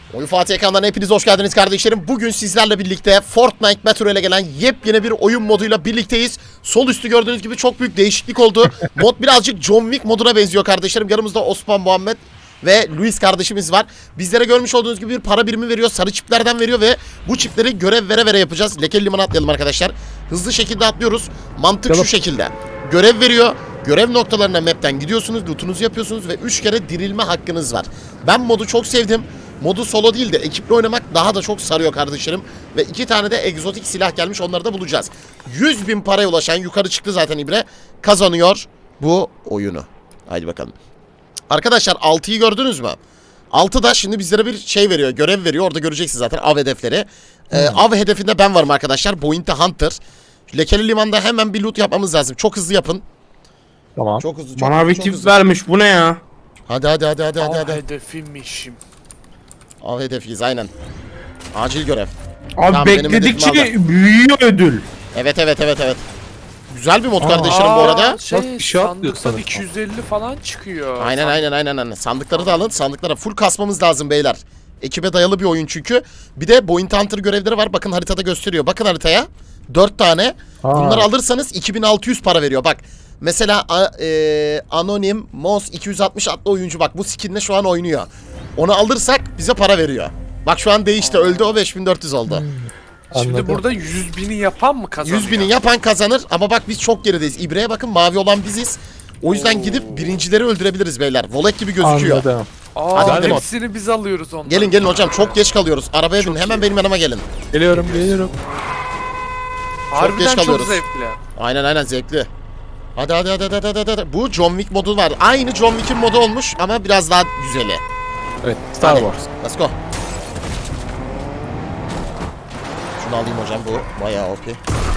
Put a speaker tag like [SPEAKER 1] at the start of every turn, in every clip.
[SPEAKER 1] Oyun Fatih ekrandan hepiniz hoş geldiniz kardeşlerim. Bugün sizlerle birlikte Fortnite Metro ile gelen yepyeni bir oyun moduyla birlikteyiz. Sol üstü gördüğünüz gibi çok büyük değişiklik oldu. Mod birazcık John Wick moduna benziyor kardeşlerim. Yanımızda Osman, Muhammed ve Luis kardeşimiz var. Bizlere görmüş olduğunuz gibi bir para birimi veriyor. Sarı çiplerden veriyor ve bu çipleri görev vere vere yapacağız. Lekeli limana atlayalım arkadaşlar. Hızlı şekilde atlıyoruz. Mantık şu şekilde. Görev veriyor. Görev noktalarına map'ten gidiyorsunuz, lootunuzu yapıyorsunuz ve 3 kere dirilme hakkınız var. Ben modu çok sevdim. Modu solo değil de ekiple oynamak daha da çok sarıyor kardeşlerim. Ve 2 tane de egzotik silah gelmiş, onları da bulacağız. 100.000 paraya ulaşan, yukarı çıktı zaten İbre, kazanıyor bu oyunu. Haydi bakalım. Arkadaşlar 6'yı gördünüz mü? 6 da şimdi bizlere bir şey veriyor, görev veriyor. Orada göreceksiniz zaten av hedefleri. Av hedefinde ben varım arkadaşlar. Bounty Hunter. Lekeli limanda hemen bir loot yapmamız lazım. Çok hızlı yapın.
[SPEAKER 2] Tamam.
[SPEAKER 1] Çok hızlı.
[SPEAKER 2] Bana bir tip vermiş. Bu ne ya?
[SPEAKER 1] Hadi.
[SPEAKER 3] Hedefimmişim.
[SPEAKER 1] Av hedefiyiz aynen. Acil görev.
[SPEAKER 2] Abi
[SPEAKER 1] Tamam, benim
[SPEAKER 2] bekledikçe
[SPEAKER 1] hedefimi
[SPEAKER 2] büyüyor ödül.
[SPEAKER 1] Evet. Güzel bir mod kardeşlerim bu arada.
[SPEAKER 2] Bak, bir şey atlıyor
[SPEAKER 3] Sandıktan
[SPEAKER 2] sanırım.
[SPEAKER 3] 250 falan çıkıyor.
[SPEAKER 1] Aynen. Sandıkları da alın. Sandıklara full kasmamız lazım beyler. Ekibe dayalı bir oyun çünkü. Bir de Bounty Hunter görevleri var. Bakın haritada gösteriyor. Bakın haritaya. 4 tane. Bunları alırsanız 2600 para veriyor. Bak. Mesela Anonim Mons 260 adlı oyuncu bak bu skinle şu an oynuyor. Onu alırsak bize para veriyor. Bak şu an değişti. Öldü o 5400 oldu.
[SPEAKER 3] Şimdi
[SPEAKER 2] Anladım.
[SPEAKER 3] burada 100.000'i yapan mı kazanıyor?
[SPEAKER 1] 100.000'i yapan kazanır ama bak biz çok gerideyiz. İbre'ye bakın, mavi olan biziz. O yüzden gidip birincileri öldürebileri beyler. Volek gibi gözüküyor.
[SPEAKER 2] Anladım.
[SPEAKER 1] Hadi gidelim.
[SPEAKER 3] Hepsini biz alıyoruz ondan.
[SPEAKER 1] Gelin hocam, çok geç kalıyoruz. Arabaya binin, hemen benim yanıma gelin.
[SPEAKER 2] Geliyorum.
[SPEAKER 3] Harbiden
[SPEAKER 1] geç kalıyoruz.
[SPEAKER 3] çok zevkli.
[SPEAKER 1] Aynen zevkli. Hadi. Bu John Wick modu var. Aynı John Wick'in modu olmuş ama biraz daha güzeli.
[SPEAKER 2] Evet. Star
[SPEAKER 1] Hadi,
[SPEAKER 2] Wars.
[SPEAKER 1] let's go. Şunu alayım hocam, bu bayağı OP.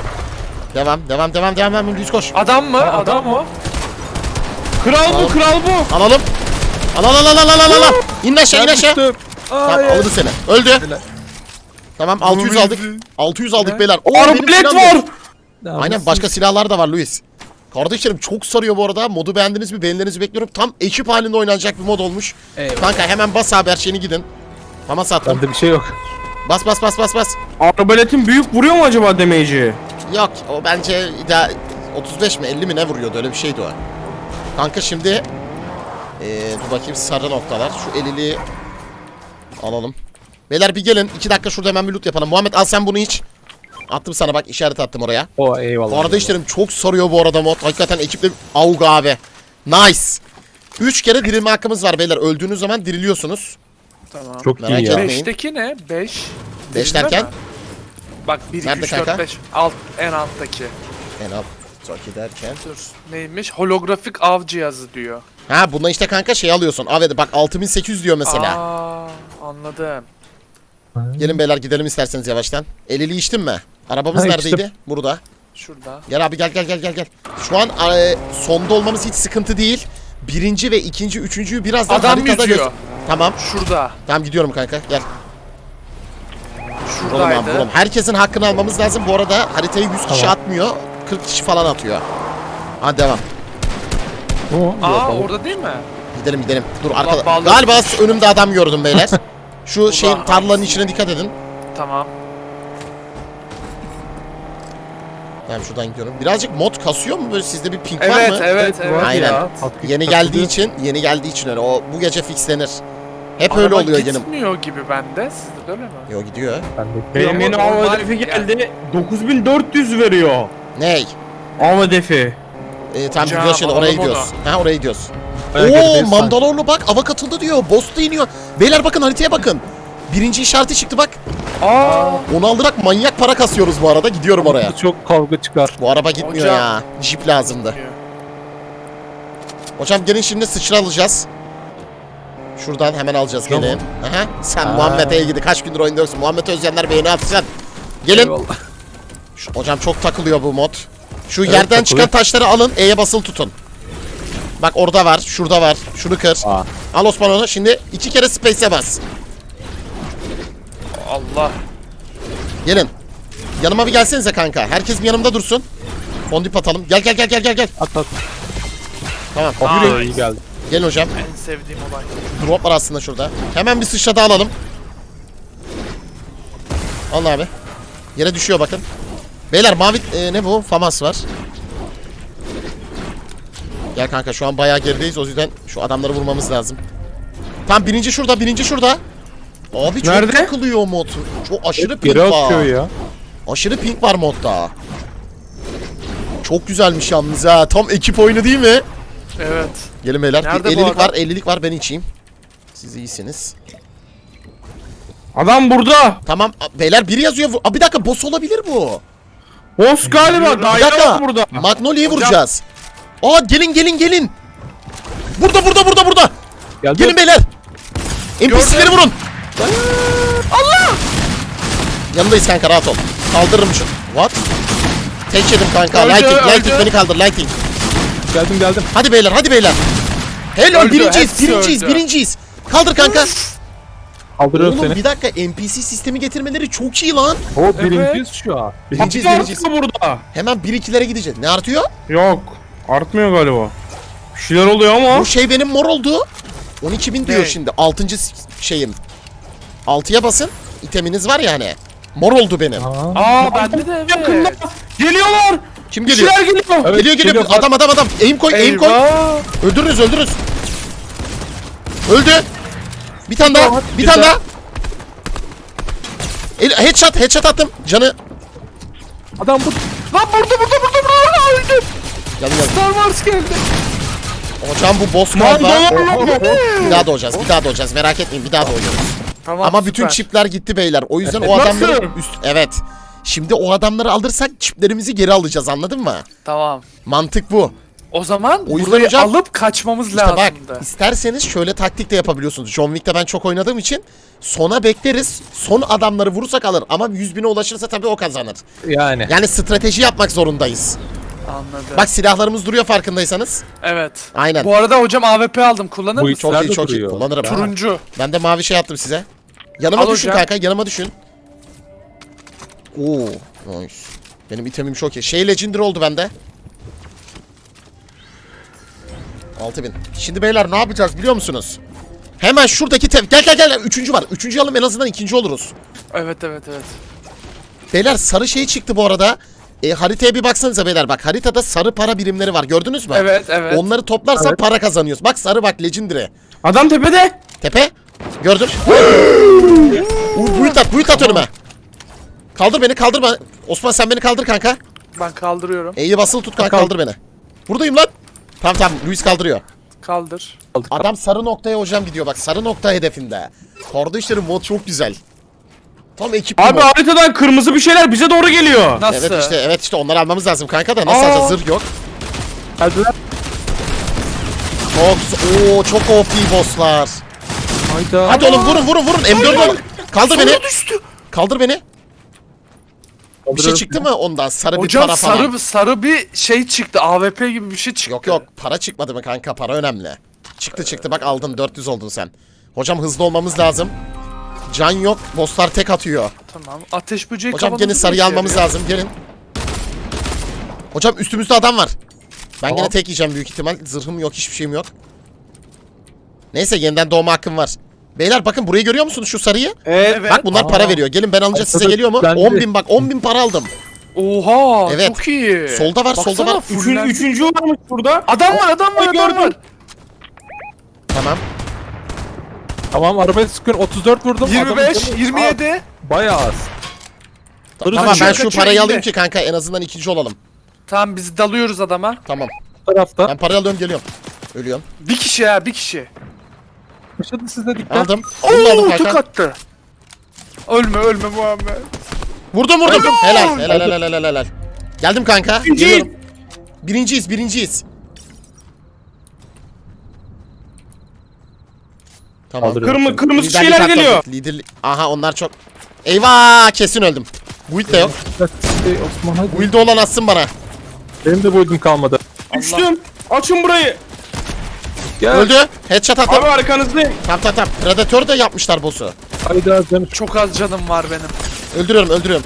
[SPEAKER 1] Devam. Düz koş.
[SPEAKER 3] Adam mı? Adam mı?
[SPEAKER 2] Kral bu, kral bu.
[SPEAKER 1] Alalım. Al. İn aşağı.
[SPEAKER 2] Düştüm.
[SPEAKER 1] Tamam, aldı seni. Öldü. Tamam, 600 aldık. 600 aldık
[SPEAKER 3] Ne?
[SPEAKER 1] beyler.
[SPEAKER 2] Arbalet var.
[SPEAKER 1] Aynen, başka silahlar da var Luis. Kardeşlerim çok sarıyor bu arada. Modu beğendiniz mi? Beğenilerinizi bekliyorum. Tam ekip halinde oynanacak bir mod olmuş.
[SPEAKER 2] Eyvallah.
[SPEAKER 1] Kanka hemen bas abi, her şeyini gidin. Tamam, sattım.
[SPEAKER 2] Bende bir şey yok.
[SPEAKER 1] Bas.
[SPEAKER 2] Arbaletin büyük vuruyor mu acaba damage'i?
[SPEAKER 1] Yok, o bence 35 mi 50 mi ne vuruyordu, öyle bir şeydi o. Kanka şimdi dur bakayım, sarı noktalar. Şu elili alalım. Beyler bir gelin, 2 dakika şurada hemen bir loot yapalım. Muhammed al sen bunu iç. Attım sana, bak işaret attım oraya.
[SPEAKER 2] O eyvallah.
[SPEAKER 1] Kardeşlerim çok sarıyor bu arada mod. Hakikaten ekiple avg abi. Nice. 3 kere dirilme hakkımız var beyler. Öldüğünüz zaman diriliyorsunuz.
[SPEAKER 3] Tamam.
[SPEAKER 2] Çok
[SPEAKER 1] Merak
[SPEAKER 2] iyi ya.
[SPEAKER 1] etmeyin.
[SPEAKER 3] 5'teki ne? 5.
[SPEAKER 1] 5 derken?
[SPEAKER 3] Bak 1, 2,
[SPEAKER 1] Nerede
[SPEAKER 3] 3, 4,
[SPEAKER 1] kanka?
[SPEAKER 3] 5. Alt, en alttaki.
[SPEAKER 1] En alt. Çok derken.
[SPEAKER 3] Dur. Neymiş? Holografik av cihazı diyor.
[SPEAKER 1] Ha, bundan işte kanka şey alıyorsun. Abi bak 6800 diyor mesela.
[SPEAKER 3] Anladım.
[SPEAKER 1] Gelin beyler, gidelim isterseniz yavaştan. Elili içtin mi? Arabamız
[SPEAKER 2] Ha,
[SPEAKER 1] neredeydi?
[SPEAKER 2] içtim.
[SPEAKER 1] Burada.
[SPEAKER 3] Şurada.
[SPEAKER 1] Gel abi, gel. Şu an sonda olmamız hiç sıkıntı değil. Birinci ve ikinci, üçüncüyü birazdan
[SPEAKER 3] Adam
[SPEAKER 1] haritada
[SPEAKER 3] yüzüyor.
[SPEAKER 1] Tamam.
[SPEAKER 3] Şurada.
[SPEAKER 1] Tamam, gidiyorum kanka. Gel. Vuralım abi,
[SPEAKER 3] Şuradaydı.
[SPEAKER 1] vuralım. Herkesin hakkını almamız lazım. Bu arada haritayı 100 kişi atmıyor. 40 kişi falan atıyor. Hadi devam.
[SPEAKER 3] Orada değil mi?
[SPEAKER 1] Gidelim. Dur
[SPEAKER 3] Allah
[SPEAKER 1] arkada.
[SPEAKER 3] bağlı.
[SPEAKER 1] Galiba önümde adam gördüm beyler. Şu
[SPEAKER 3] Ulan
[SPEAKER 1] şeyin, tarlanın
[SPEAKER 3] hangisi?
[SPEAKER 1] içine dikkat edin.
[SPEAKER 3] Tamam.
[SPEAKER 1] Tamam, şuradan gidiyorum. Birazcık mod kasıyor mu böyle, sizde bir ping var mı?
[SPEAKER 3] Evet.
[SPEAKER 1] Aynen.
[SPEAKER 2] Ya.
[SPEAKER 1] Yeni geldiği için öyle. O bu gece fixlenir. Hep
[SPEAKER 3] Araba
[SPEAKER 1] öyle oluyor yeni.
[SPEAKER 3] gitmiyor gibi bende. Sizde de öyle mi?
[SPEAKER 1] Yo, gidiyor.
[SPEAKER 2] Benim yeni
[SPEAKER 3] Normal
[SPEAKER 2] av hedefi
[SPEAKER 3] yani.
[SPEAKER 2] geldi. 9400 veriyor.
[SPEAKER 1] Ney?
[SPEAKER 2] Av hedefi.
[SPEAKER 1] Tamam,
[SPEAKER 3] Hocam,
[SPEAKER 1] gidiyor şimdi, oraya
[SPEAKER 3] alalım
[SPEAKER 1] gidiyoruz. Ha, oraya gidiyoruz.
[SPEAKER 2] Ayak
[SPEAKER 1] Oo,
[SPEAKER 2] hedefi
[SPEAKER 1] Mandalorlu bak, ava katıldı diyor. Boss da iniyor. Beyler bakın, haritaya bakın. Birinci işareti çıktı bak. Onu aldırak manyak para kasıyoruz bu arada. Gidiyorum oraya.
[SPEAKER 2] Çok kavga çıkar.
[SPEAKER 1] Bu araba gitmiyor
[SPEAKER 3] Hocam.
[SPEAKER 1] ya. Jeep lazımdı. Hocam gelin, şimdi sıçra alacağız. Şuradan hemen alacağız,
[SPEAKER 2] Tamam.
[SPEAKER 1] gelin. Aha. Sen Muhammed'e ilgili kaç gündür oynuyorsun. Muhammed Özyenler beğeni atsın. Gelin. Hocam çok takılıyor bu mod. Şu
[SPEAKER 2] Evet,
[SPEAKER 1] yerden
[SPEAKER 2] takılıyor.
[SPEAKER 1] çıkan taşları alın. E'ye basılı tutun. Bak orada var. Şurada var. Şunu kır. Al Osman onu. Şimdi 2 kere space'e bas.
[SPEAKER 3] Allah.
[SPEAKER 1] Gelin. Yanıma bir gelsenize kanka. Herkes bir yanımda dursun. Fondip atalım. Gel.
[SPEAKER 2] At.
[SPEAKER 1] Tamam.
[SPEAKER 3] Aa,
[SPEAKER 2] İyi geldi.
[SPEAKER 1] Gelin hocam.
[SPEAKER 3] En sevdiğim olay.
[SPEAKER 1] Drop var aslında şurada. Hemen bir sıçrada alalım. Alın abi. Yere düşüyor bakın. Beyler mavi ne bu? Famas var. Gel kanka şu an bayağı gerideyiz. O yüzden şu adamları vurmamız lazım. Tam birinci şurada, birinci şurada. Abi çok
[SPEAKER 2] Nerede?
[SPEAKER 1] takılıyor mod. Çok aşırı ping
[SPEAKER 4] Geri atıyor
[SPEAKER 1] var.
[SPEAKER 4] ya.
[SPEAKER 1] Aşırı ping var modda. Çok güzelmiş yalnız ha. Tam ekip oyunu değil mi?
[SPEAKER 3] Evet.
[SPEAKER 1] Gelin beyler.
[SPEAKER 3] Nerede bu
[SPEAKER 1] 50'lik
[SPEAKER 3] adam?
[SPEAKER 1] var, 50'lik var. Ben içeyim. Siz iyisiniz.
[SPEAKER 2] Adam burada.
[SPEAKER 1] Tamam. Beyler biri yazıyor. Bir dakika boss olabilir bu.
[SPEAKER 2] Boss galiba.
[SPEAKER 1] Bir
[SPEAKER 2] Daire
[SPEAKER 1] dakika.
[SPEAKER 2] var burada.
[SPEAKER 1] Magnolia'yı vuracağız. Aa gelin. Burada.
[SPEAKER 4] Geldi.
[SPEAKER 1] Gelin beyler. NPC'leri vurun. Allah! Yanındayız kanka rahat ol. Kaldırırım şu. What? Tek yedim kanka.
[SPEAKER 3] Öldü,
[SPEAKER 1] Lighting
[SPEAKER 3] öldü.
[SPEAKER 1] beni kaldır Lighting.
[SPEAKER 4] Geldim.
[SPEAKER 1] Hadi beyler. Helal
[SPEAKER 3] Öldü, hepsi öldü.
[SPEAKER 1] birinciyiz. Kaldır kanka.
[SPEAKER 4] Kaldırıyorum
[SPEAKER 1] Oğlum
[SPEAKER 4] seni.
[SPEAKER 1] bir dakika NPC sistemi getirmeleri çok iyi lan.
[SPEAKER 4] O birinciyiz şu an.
[SPEAKER 1] Birinciyiz.
[SPEAKER 2] Artıyor burada.
[SPEAKER 1] Hemen 1-2'lere gideceğiz. Ne artıyor?
[SPEAKER 2] Yok. Artmıyor galiba. Bir şeyler oluyor ama.
[SPEAKER 1] Bu şey benim mor oldu. 12.000 diyor
[SPEAKER 3] Ne?
[SPEAKER 1] şimdi. 6. şeyim. 6'ya basın. İteminiz var ya hani. Mor oldu benim.
[SPEAKER 3] Aa bende de
[SPEAKER 2] Yakında.
[SPEAKER 3] evet.
[SPEAKER 2] Geliyorlar.
[SPEAKER 1] Kim
[SPEAKER 2] Bir
[SPEAKER 1] geliyor?
[SPEAKER 2] şeyler geliyor.
[SPEAKER 4] Evet,
[SPEAKER 1] Geliyor.
[SPEAKER 4] geliyor.
[SPEAKER 1] Adam. Aim koy.
[SPEAKER 3] Eyvah.
[SPEAKER 1] Öldürürüz. Öldü. Bir tane daha. Bir tane daha. Headshot attım. Canı.
[SPEAKER 4] Adam bu.
[SPEAKER 3] Lan burada öldüm.
[SPEAKER 1] Gel.
[SPEAKER 3] Star Wars geldi.
[SPEAKER 1] Hocam bu boss
[SPEAKER 2] Lan
[SPEAKER 1] galiba.
[SPEAKER 2] doğru.
[SPEAKER 1] Bir daha doğacağız. Merak etmeyin. Bir daha doğacağız.
[SPEAKER 3] Tamam,
[SPEAKER 1] Ama bütün
[SPEAKER 3] süper.
[SPEAKER 1] çipler gitti beyler. O yüzden o
[SPEAKER 2] Nasıl?
[SPEAKER 1] adamları evet. Şimdi o adamları alırsak çiplerimizi geri alacağız. Anladın mı?
[SPEAKER 3] Tamam.
[SPEAKER 1] Mantık bu.
[SPEAKER 3] O zaman
[SPEAKER 1] O yüzden
[SPEAKER 3] burayı
[SPEAKER 1] hocam-
[SPEAKER 3] alıp kaçmamız
[SPEAKER 1] İşte bak
[SPEAKER 3] lazımdı.
[SPEAKER 1] isterseniz şöyle taktik de yapabiliyorsunuz. John Wick'te ben çok oynadığım için sona bekleriz. Son adamları vurursak alır. Ama 100.000'e ulaşırsa tabii o kazanır.
[SPEAKER 4] Yani.
[SPEAKER 1] Yani strateji yapmak zorundayız.
[SPEAKER 3] Anladım.
[SPEAKER 1] Bak silahlarımız duruyor farkındaysanız.
[SPEAKER 3] Evet.
[SPEAKER 1] Aynen.
[SPEAKER 3] Bu arada hocam AWP aldım. Kullanır
[SPEAKER 4] Bu
[SPEAKER 3] mısın?
[SPEAKER 1] Çok iyi
[SPEAKER 4] Nerede
[SPEAKER 1] çok iyi.
[SPEAKER 4] duruyor?
[SPEAKER 1] Kullanırım.
[SPEAKER 3] Turuncu.
[SPEAKER 1] Ben de mavi şey attım size. Yanıma
[SPEAKER 3] Al
[SPEAKER 1] düşün
[SPEAKER 3] hocam.
[SPEAKER 1] kanka yanıma düşün. Oo, nice. Benim itemim çok iyi. Şey legendary oldu bende. 6000. Şimdi beyler ne yapacağız biliyor musunuz? Hemen şuradaki gel. Üçüncü var. Üçüncü alalım en azından ikinci oluruz.
[SPEAKER 3] Evet.
[SPEAKER 1] Beyler sarı şey çıktı bu arada. Haritaya bir baksanıza beyler bak. Haritada sarı para birimleri var. Gördünüz mü?
[SPEAKER 3] Evet.
[SPEAKER 1] Onları toplarsan para kazanıyoruz. Bak sarı bak legendary.
[SPEAKER 2] Adam tepede.
[SPEAKER 1] Tepe. Gördüm. Build at önüme. Kaldır beni. Osman sen beni kaldır kanka.
[SPEAKER 3] Ben kaldırıyorum.
[SPEAKER 1] E'yi basılı tut kanka kaldır beni. Buradayım lan. Tamam Luis kaldırıyor.
[SPEAKER 3] Kaldır.
[SPEAKER 1] Adam sarı noktaya hocam gidiyor bak. Sarı nokta hedefinde. Kardeşlerim mod çok güzel. Tam ekip
[SPEAKER 2] Abi
[SPEAKER 1] mod.
[SPEAKER 2] haritadan kırmızı bir şeyler bize doğru geliyor.
[SPEAKER 3] Nasıl?
[SPEAKER 1] Evet işte onları almamız lazım kanka da nasıl
[SPEAKER 2] Aa.
[SPEAKER 1] alacağız zırh yok.
[SPEAKER 4] Geldiler.
[SPEAKER 1] Çok OP bosslar.
[SPEAKER 4] Hayda.
[SPEAKER 1] Hadi oğlum vurun M4 alın. Kaldır beni. Kaldır beni. Bir şey
[SPEAKER 4] Kaldırıyorum.
[SPEAKER 1] çıktı mı ondan? Sarı bir
[SPEAKER 3] Hocam
[SPEAKER 1] para falan.
[SPEAKER 3] sarı bir şey çıktı. AWP gibi bir şey çıktı.
[SPEAKER 1] Yok para çıkmadı mı kanka para önemli. Çıktı bak aldın 400 oldun sen. Hocam hızlı olmamız lazım. Can yok bosslar tek atıyor.
[SPEAKER 3] Tamam. Ateş böceği
[SPEAKER 1] Hocam
[SPEAKER 3] kafamızı
[SPEAKER 1] gelin sarıyı
[SPEAKER 3] mı
[SPEAKER 1] almamız
[SPEAKER 3] içeriyor?
[SPEAKER 1] lazım gelin. Hocam üstümüzde adam var. Ben
[SPEAKER 4] Tamam.
[SPEAKER 1] gene tek yiyeceğim büyük ihtimal. Zırhım yok hiçbir şeyim yok. Neyse yeniden doğma hakkım var. Beyler bakın burayı görüyor musunuz şu sarıyı?
[SPEAKER 3] Evet.
[SPEAKER 1] Bak bunlar para veriyor. Gelin ben alınca size geliyor mu?
[SPEAKER 4] Bende.
[SPEAKER 1] 10.000 bak 10.000 para aldım.
[SPEAKER 3] Oha.
[SPEAKER 1] Evet.
[SPEAKER 3] Çok iyi.
[SPEAKER 1] Solda var, solda
[SPEAKER 3] Baksana,
[SPEAKER 1] var.
[SPEAKER 3] fullendi.
[SPEAKER 2] Üçüncü varmış burada.
[SPEAKER 3] Adam var.
[SPEAKER 2] Gördüm.
[SPEAKER 1] Tamam.
[SPEAKER 4] Tamam arabaya sıkıyorum. 34 vurdum.
[SPEAKER 3] 25,
[SPEAKER 4] Adamın canı-
[SPEAKER 3] 27.
[SPEAKER 4] Aa, bayağı az.
[SPEAKER 1] Tamam ben
[SPEAKER 3] kaçıyor,
[SPEAKER 1] şu
[SPEAKER 3] kaçıyor,
[SPEAKER 1] parayı
[SPEAKER 3] indi.
[SPEAKER 1] alayım ki kanka en azından ikinci olalım.
[SPEAKER 3] Tamam biz dalıyoruz adama.
[SPEAKER 1] Tamam.
[SPEAKER 4] Bu tarafta.
[SPEAKER 1] Ben parayı alıyorum geliyorum. Ölüyorum.
[SPEAKER 3] Bir kişi ya bir kişi.
[SPEAKER 4] Yaşadı sizde dikkat.
[SPEAKER 1] Aldım. Bunu da aldım
[SPEAKER 3] Oo tık
[SPEAKER 1] kanka.
[SPEAKER 3] attı. Ölme Muhammed.
[SPEAKER 1] Vurdum. Helal. Geldim kanka. Geliyorum. Birinciyiz. Tamam.
[SPEAKER 4] Kaldırıyorum.
[SPEAKER 2] Kırmızı
[SPEAKER 1] Liderlik
[SPEAKER 2] şeyler
[SPEAKER 1] hakkı
[SPEAKER 2] geliyor.
[SPEAKER 1] aldık. Aha onlar çok. Eyvah kesin öldüm. Build de yok.
[SPEAKER 4] Osman hadi.
[SPEAKER 1] Build olan atsın bana.
[SPEAKER 4] Benim de build'im kalmadı.
[SPEAKER 2] Düştüm. Açın burayı.
[SPEAKER 4] Gel.
[SPEAKER 1] Öldü. Headshot attım.
[SPEAKER 2] Abi arkanızdayım.
[SPEAKER 1] Tamam. Predator da yapmışlar boss'u.
[SPEAKER 4] Hayda canım.
[SPEAKER 3] Çok az canım var benim.
[SPEAKER 1] Öldürüyorum.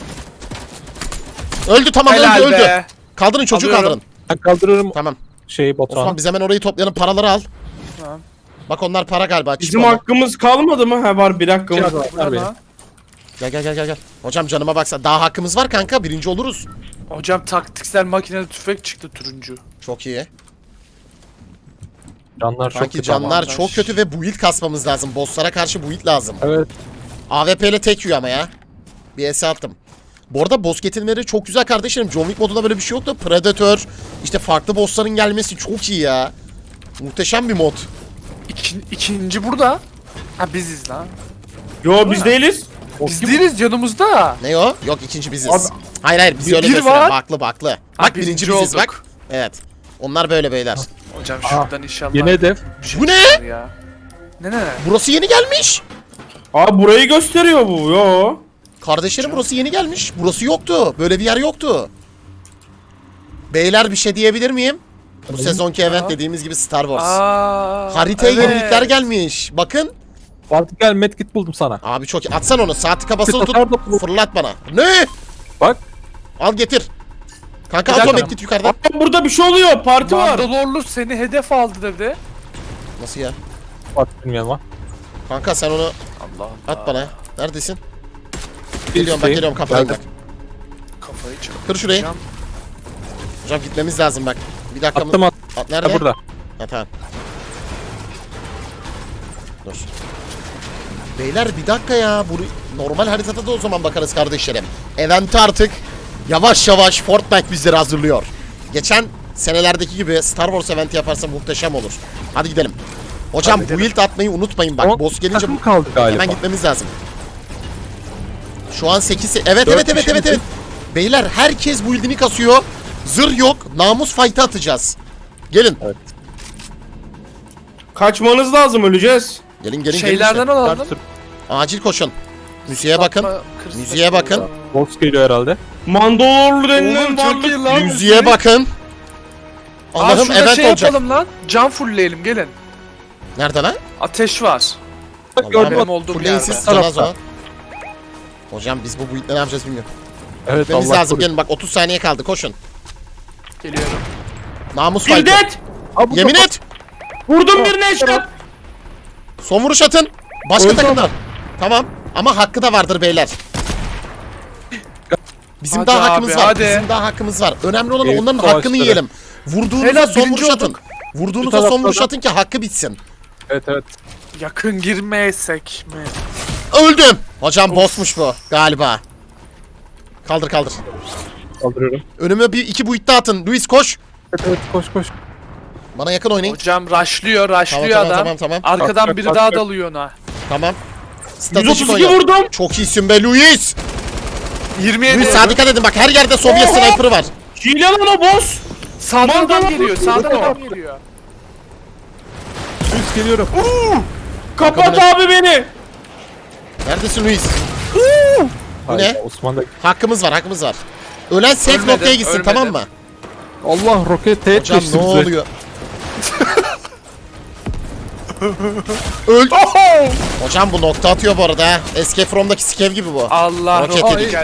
[SPEAKER 1] Öldü tamam
[SPEAKER 3] Helal
[SPEAKER 1] öldü.
[SPEAKER 3] be.
[SPEAKER 1] Kaldırın çocuğu
[SPEAKER 3] Alıyorum.
[SPEAKER 1] kaldırın.
[SPEAKER 4] Ben kaldırıyorum
[SPEAKER 1] Tamam.
[SPEAKER 4] şeyi
[SPEAKER 1] Osman
[SPEAKER 4] Batuhan.
[SPEAKER 1] biz hemen orayı toplayalım paraları al.
[SPEAKER 3] Tamam.
[SPEAKER 1] Bak onlar para galiba.
[SPEAKER 2] Bizim
[SPEAKER 1] Çip onlar.
[SPEAKER 2] hakkımız kalmadı mı? Ha var bir hakkımız.
[SPEAKER 4] Var benim.
[SPEAKER 3] Bana.
[SPEAKER 1] Gel. Hocam canıma baksa daha hakkımız var kanka. Birinci oluruz.
[SPEAKER 3] Hocam taktiksel makineli tüfek çıktı turuncu.
[SPEAKER 1] Çok iyi.
[SPEAKER 4] Canlar çok
[SPEAKER 1] Sanki
[SPEAKER 4] kötü
[SPEAKER 1] canlar
[SPEAKER 4] ama.
[SPEAKER 1] çok kötü ve build kasmamız lazım. Bosslara karşı build lazım.
[SPEAKER 4] Evet.
[SPEAKER 1] AWP ile tek yiyor ama ya. Bir ES attım. Bu arada boss getirmeleri çok güzel kardeşlerim. John Wick modunda böyle bir şey yoktu. Predator, işte farklı bossların gelmesi çok iyi ya. Muhteşem bir mod.
[SPEAKER 3] İkinci burada. Ha biziz lan.
[SPEAKER 2] Yo biz değiliz.
[SPEAKER 3] Biz değiliz yanımızda.
[SPEAKER 1] Ne o? Yok ikinci biziz.
[SPEAKER 2] Abi-
[SPEAKER 1] Hayır biz
[SPEAKER 3] Bir-
[SPEAKER 1] öyle
[SPEAKER 3] bir
[SPEAKER 1] gösterelim.
[SPEAKER 3] var.
[SPEAKER 1] Baklı.
[SPEAKER 3] Ha,
[SPEAKER 1] Bak birinci biziz
[SPEAKER 3] olduk.
[SPEAKER 1] bak. Evet. Onlar böyle beyler.
[SPEAKER 3] Hocam şuradan inşallah.
[SPEAKER 4] Yeni hedef.
[SPEAKER 3] bir şey
[SPEAKER 1] Bu ne?
[SPEAKER 3] çıkar Ya. Ne?
[SPEAKER 1] Burası yeni gelmiş.
[SPEAKER 2] Abi burayı gösteriyor bu. Yo.
[SPEAKER 1] Kardeşlerim burası yeni gelmiş. Burası yoktu. Böyle bir yer yoktu. Beyler bir şey diyebilir miyim? Bu sezonki event dediğimiz gibi Star Wars. Haritaya
[SPEAKER 3] evet.
[SPEAKER 1] yenilikler gelmiş. Bakın.
[SPEAKER 4] Fatih gel medkit buldum sana.
[SPEAKER 1] Abi çok iyi. Atsan onu. Saat tıka basılı tut.
[SPEAKER 4] Atar da bu-
[SPEAKER 1] Fırlat bana. Ne?
[SPEAKER 4] Bak.
[SPEAKER 1] Al getir. Kanka
[SPEAKER 3] Bir
[SPEAKER 1] at o
[SPEAKER 3] dakika.
[SPEAKER 1] medkit yukarıdan.
[SPEAKER 2] Abi burada bir şey oluyor. Parti var.
[SPEAKER 3] Mandalorlu seni hedef aldı dedi.
[SPEAKER 1] Nasıl ya?
[SPEAKER 4] Fatih bilmiyorum ama.
[SPEAKER 1] Kanka sen onu
[SPEAKER 3] Allah
[SPEAKER 1] at bana. Neredesin? Geliyorum kafayı bak.
[SPEAKER 3] Kafayı çak.
[SPEAKER 1] Kır şurayı.
[SPEAKER 3] Hocam,
[SPEAKER 1] Hocam gitmemiz lazım bak. Bir dakika.
[SPEAKER 4] Attım at.
[SPEAKER 1] At nerede?
[SPEAKER 4] Ha, burada.
[SPEAKER 1] Ha tamam. Dur. Beyler bir dakika ya. Normal haritada da o zaman bakarız kardeşlerim. Event'i artık yavaş yavaş Fortnite bizleri hazırlıyor. Geçen senelerdeki gibi Star Wars eventi yaparsa muhteşem olur. Hadi gidelim. Hocam
[SPEAKER 3] Hadi
[SPEAKER 1] build atmayı unutmayın bak.
[SPEAKER 4] On
[SPEAKER 1] Boss gelince
[SPEAKER 4] takım kaldı galiba.
[SPEAKER 1] hemen gitmemiz lazım. Şu an 8. Evet.
[SPEAKER 4] Dört kişi
[SPEAKER 1] Beyler herkes build'ini kasıyor. Zırh yok. Namus fight'ı atacağız. Gelin.
[SPEAKER 2] Kaçmanız lazım, öleceğiz.
[SPEAKER 1] Gelin.
[SPEAKER 3] şeylerden alalım.
[SPEAKER 4] Kartır.
[SPEAKER 1] Acil koşun. Müziğe bakın.
[SPEAKER 3] Satma, kırsat
[SPEAKER 1] Müziğe bakın.
[SPEAKER 3] burada.
[SPEAKER 4] Boss geliyor herhalde.
[SPEAKER 2] Mandalorlu denilen
[SPEAKER 3] Oğlum çok iyi
[SPEAKER 2] varlık.
[SPEAKER 3] lan.
[SPEAKER 1] Müziğe bakın. Allah'ım
[SPEAKER 3] şurada
[SPEAKER 1] event
[SPEAKER 3] şey
[SPEAKER 1] olacak.
[SPEAKER 3] yapalım lan. Can fullleyelim gelin.
[SPEAKER 1] Nerede lan?
[SPEAKER 3] Ateş var.
[SPEAKER 4] Bak
[SPEAKER 1] Allah'ım,
[SPEAKER 4] gördüm.
[SPEAKER 3] Benim olduğum
[SPEAKER 1] Fulleyin
[SPEAKER 3] yerde.
[SPEAKER 1] siz canaz o.
[SPEAKER 4] Tarafta.
[SPEAKER 1] Hocam biz bu build'le ne yapacağız bilmiyorum.
[SPEAKER 4] Evet
[SPEAKER 1] Gitmemiz
[SPEAKER 4] Allah
[SPEAKER 1] lazım.
[SPEAKER 4] korusun.
[SPEAKER 1] Gelin bak 30 saniye kaldı. Koşun.
[SPEAKER 3] Geliyorum.
[SPEAKER 1] Namus
[SPEAKER 2] Bir
[SPEAKER 1] fight'ı.
[SPEAKER 2] det.
[SPEAKER 4] Aa, bu
[SPEAKER 1] Yemin
[SPEAKER 4] da-
[SPEAKER 1] et.
[SPEAKER 2] Vurdum birine eşkat.
[SPEAKER 1] Son vuruş atın. Başka
[SPEAKER 4] Öldü
[SPEAKER 1] takımlar. Tamam. Ama hakkı da vardır beyler. Bizim
[SPEAKER 3] Hadi
[SPEAKER 1] daha
[SPEAKER 3] abi,
[SPEAKER 1] hakkımız var.
[SPEAKER 3] hadi.
[SPEAKER 1] Bizim daha hakkımız var. Önemli olan
[SPEAKER 4] Eyüp
[SPEAKER 1] onların
[SPEAKER 4] savaşları.
[SPEAKER 1] hakkını yiyelim. Vurduğunuzda
[SPEAKER 3] Helal,
[SPEAKER 1] son
[SPEAKER 3] birinci
[SPEAKER 1] vuruş atın.
[SPEAKER 3] olduk.
[SPEAKER 1] Vurduğunuzda
[SPEAKER 4] Bu
[SPEAKER 1] son
[SPEAKER 4] tarafta
[SPEAKER 1] vuruş
[SPEAKER 4] da-
[SPEAKER 1] atın ki hakkı bitsin.
[SPEAKER 4] Evet.
[SPEAKER 3] Yakın girmeyesek mi?
[SPEAKER 1] Öldüm. Hocam bossmuş bu galiba. Kaldır.
[SPEAKER 4] Kaldırıyorum.
[SPEAKER 1] Önüme bir iki boyut daha atın. Luis koş.
[SPEAKER 4] Evet koş.
[SPEAKER 1] Bana yakın oynayın.
[SPEAKER 3] Hocam rushlıyor adam.
[SPEAKER 1] Tamam.
[SPEAKER 3] Arkadan
[SPEAKER 4] Bak,
[SPEAKER 3] biri
[SPEAKER 4] bak,
[SPEAKER 3] daha
[SPEAKER 4] bak.
[SPEAKER 3] dalıyor ona.
[SPEAKER 1] Tamam. Stratejik
[SPEAKER 2] 132
[SPEAKER 1] oyna.
[SPEAKER 2] vurdum.
[SPEAKER 1] Çok iyisin be Luis.
[SPEAKER 3] 27.
[SPEAKER 1] Luis sağa dikkat edin bak her yerde Sovyet sniper'ı var.
[SPEAKER 2] Hile lan o boss.
[SPEAKER 3] Sağdan adam
[SPEAKER 2] Mandalorlu
[SPEAKER 3] geliyor. Sağdan adam geliyor.
[SPEAKER 4] Üst geliyorum.
[SPEAKER 2] Kapat
[SPEAKER 1] Arkadan-
[SPEAKER 2] abi beni.
[SPEAKER 1] Neredesin Luis? Bu
[SPEAKER 4] Hayır,
[SPEAKER 1] ne?
[SPEAKER 4] Osman da...
[SPEAKER 1] Hakkımız var. Ölen safe
[SPEAKER 3] Ölmedi,
[SPEAKER 1] noktaya gitsin
[SPEAKER 3] ölmedi.
[SPEAKER 1] tamam mı?
[SPEAKER 4] Allah roket teğet
[SPEAKER 1] Hocam
[SPEAKER 4] geçti
[SPEAKER 1] ne
[SPEAKER 4] bize.
[SPEAKER 1] oluyor? Öl. Hocam bu nokta atıyor bu arada ha. Escape from'daki skev gibi bu.
[SPEAKER 3] Allah
[SPEAKER 1] Roket
[SPEAKER 3] roket
[SPEAKER 1] yedik.
[SPEAKER 3] geldi.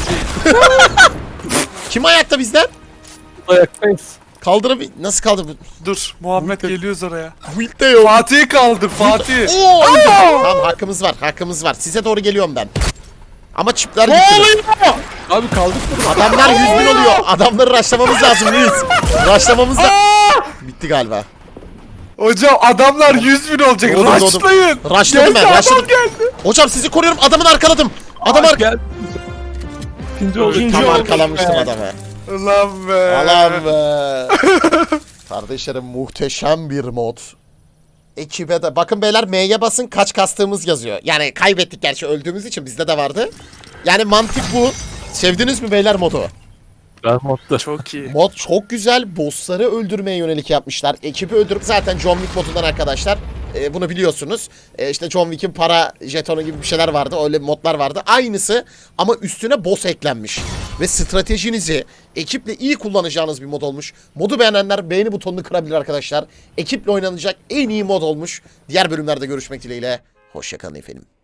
[SPEAKER 1] Kim ayakta bizden?
[SPEAKER 4] Ayaktayız.
[SPEAKER 1] Kaldırıp nasıl kaldır bu?
[SPEAKER 3] Dur Muhammed geliyoruz oraya.
[SPEAKER 1] Build'de yok.
[SPEAKER 3] Fatih'i kaldır Fatih.
[SPEAKER 1] Oo, öldüm. Tamam hakkımız var. Size doğru geliyorum ben. Ama çipler
[SPEAKER 2] Ne
[SPEAKER 1] gitti.
[SPEAKER 2] oluyor?
[SPEAKER 4] Abi kaldık burada.
[SPEAKER 1] Adamlar 100 bin oluyor. Adamları rushlamamız lazım Luis. Rushlamamız da... Bitti galiba.
[SPEAKER 3] Hocam adamlar 100 bin olacak.
[SPEAKER 1] Doğdum.
[SPEAKER 3] Rushlayın.
[SPEAKER 1] Rushladım ben.
[SPEAKER 3] Geldi,
[SPEAKER 1] Rushladım.
[SPEAKER 3] adam geldi.
[SPEAKER 1] Hocam sizi koruyorum. Adamını arkaladım. Adam
[SPEAKER 4] Gel. İkinci oldu.
[SPEAKER 2] İkinci
[SPEAKER 1] Tam
[SPEAKER 2] olduk
[SPEAKER 1] arkalamıştım
[SPEAKER 2] be.
[SPEAKER 1] adamı.
[SPEAKER 3] Ulan be.
[SPEAKER 1] Alam be. Kardeşlerim muhteşem bir mod. Ekibe de bakın beyler M'ye basın kaç kastığımız yazıyor. Yani kaybettik gerçi öldüğümüz için bizde de vardı. Yani mantık bu. Sevdiniz mi beyler modu?
[SPEAKER 4] Ben modda.
[SPEAKER 3] Çok iyi.
[SPEAKER 1] Mod çok güzel. Bossları öldürmeye yönelik yapmışlar. Ekibi öldürüp zaten John Wick modundan arkadaşlar. Bunu biliyorsunuz. İşte John Wick'in para jetonu gibi bir şeyler vardı. Öyle modlar vardı. Aynısı ama üstüne boss eklenmiş. Ve stratejinizi ekiple iyi kullanacağınız bir mod olmuş. Modu beğenenler beğeni butonunu kırabilir arkadaşlar. Ekiple oynanacak en iyi mod olmuş. Diğer bölümlerde görüşmek dileğiyle. Hoşçakalın efendim.